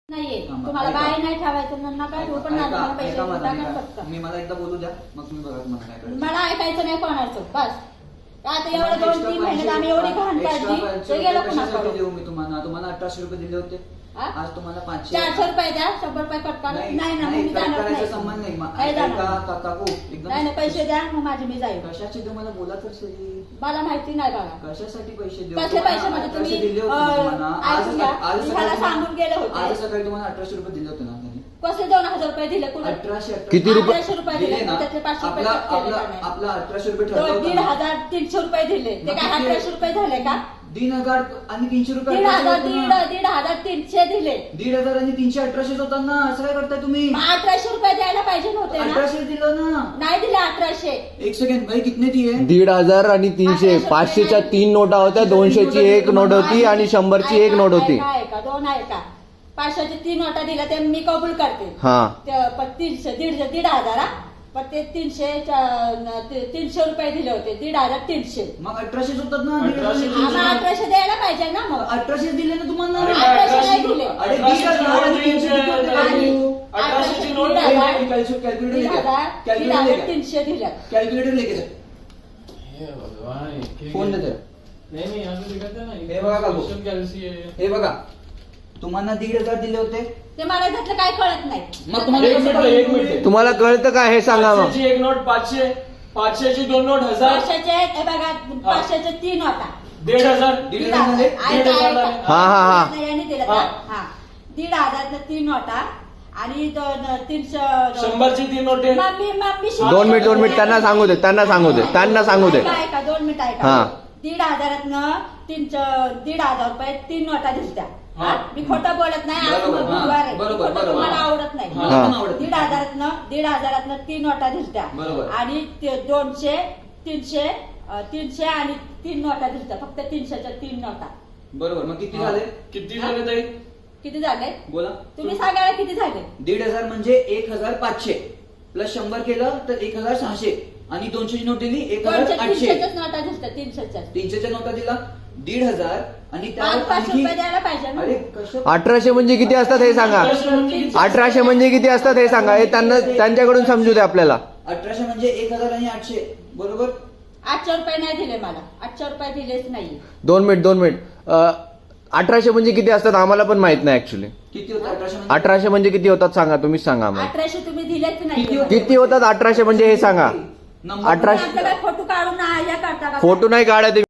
नाहीये तुम्हाला बाई नाही ठेवायचं ना काय पण मी मला एकदा बोलू द्या मग तुम्ही बघा तुम्हाला काय करायचं. मला ऐकायचं नाही कोणाचं बस आता एवढं 2-3 महिन्यात आम्ही एवढी घाण काढली ते गेलं कशासाठी देऊ मी तुम्हाला 1800 रुपये दिले होते आज तुम्हाला 400 रुपये द्या 100 रुपये कट करा नाही ना मी जाणार नाही संबंध नाही काकू एकदम नाही पैसे द्या मग माझी मी जाईल कशाचे देऊ मला बोला तर सही मला माहिती नाही बघा कशासाठी पैसे देऊ कसले पैसे म्हणजे तुम्ही दिले होते आज सांगून गेले होते आज सकाळी तुम्हाला 1800 रुपये दिले होते ना कसले 2000 रुपये दिले कुठे 1800 किती रुपये 1800 रुपये दिले त्यातले 500 रुपये आपला 1800 रुपये ठरवलं 1500 रुपये दिले ते काय 1800 रुपये झाले का 3000 आणि 300 रुपये 1500 दिले 1500 आणि 300 1800 होतात ना असं काय करताय तुम्ही 1800 रुपये द्यायला पाहिजे नव्हते ना 1800 दिलं ना नाही दिले 1800 एक सेकंड भाई कितने दिए 1500 आणि 300 500च्या 3 नोटा होत्या 200ची एक नोट होती आणि 100ची एक नोट होती का दोन आहे का 500ची 3 नोटा दिल्या ते मी कबूल करते हा 300 1,500 पण ते 300 रुपये दिले होते 1,300 मग 1800 होतात ना 1800 द्यायला पाहिजे ना मग 1800 दिले ना तुम्हाला 1800 नाही दिले अरे 1800ची नोट कॅल्क्युलेटर दिल्या कैलकुलेटर लेके जा फोन देते हे बघा काकू हे बघा तुम्हाला 1,500 दिले होते ते मला त्यातलं काय कळत नाही मग तुम्हाला एक मिनिट तुम्हाला कळतं का हे सांगा मग 500ची एक नोट 500 500ची 2 नोट 1000 500चे हे बघा 500चे 3 होता 1,500 हा. यांनी दिलं का? हा 1,500 3 नोटा आणि 300 100ची 3 नोटे मम्मी 2 मिनिट त्यांना सांगू दे ऐका 2 मिनिट ऐका हा. 1,500 1,500 रुपये 3 नोटा दिसत्या हा. मी खोटं बोलत नाही आज बरोबर, बुधवार आहे. बरोबर, खोटं तुम्हाला आवडत नाही मला पण आवडत नाही. 1,500 3 नोटा दिसत्या बरोबर. आणि 200 300 आणि 3 नोटा दिसत्या फक्त 300च्या 3 नोटा बरोबर मग किती झाले किती झाले ताई किती झाले बोला तुम्ही सांगायला किती झाले 1,500 म्हणजे 1,500 प्लस 100 केलं तर 1,600 आणि 200ची नोट दिली 1,800 300च्याच नोटा दिसत्या 300च्या 300च्या नोटा दिला 1,500 आणि त्यावर 500 रुपये द्यायला पाहिजे ना अरे कसं 1800 म्हणजे किती असतात हे सांगा 1800 म्हणजे किती असतात हे सांगा हे त्यांच्याकडून समजू दे आपल्याला 1800 म्हणजे 1,000 आणि 800 बरोबर 800 रुपये नाही दिले मला 800 रुपये दिलेच नाही 2 मिनिट 1800 म्हणजे किती असतात आम्हाला पण माहित नाही ऍक्च्युली किती होतं 1800 1800 म्हणजे किती होतात सांगा तुम्हीच सांगा आम्हाला 1800 तुम्ही दिलेच किती नाही होते? किती होतात 1800 म्हणजे हे सांगा नंबर 1800 आपल्याला फोटो काढून हे करता का फोटो नाही काढायचे